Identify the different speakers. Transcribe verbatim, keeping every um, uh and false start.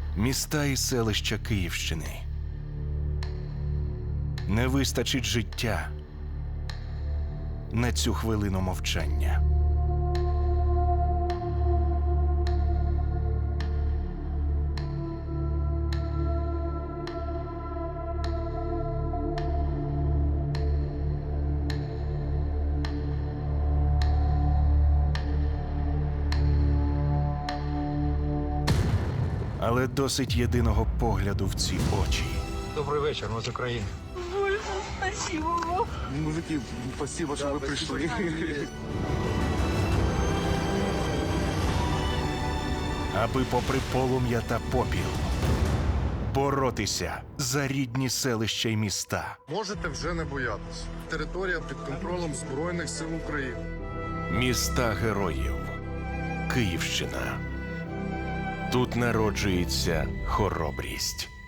Speaker 1: Міста і селища Київщини. Не вистачить життя на цю хвилину мовчання. Але досить єдиного погляду в ці очі.
Speaker 2: Добрий вечір, ми з України.
Speaker 3: Боже, спасибо вам.
Speaker 4: Мужики, спасибо, що ви прийшли.
Speaker 1: Аби попри полум'я та попіл боротися за рідні селища й міста.
Speaker 4: Можете вже не боятися. Територія під контролем Збройних сил України.
Speaker 1: Міста героїв. Київщина. Тут народжується хоробрість.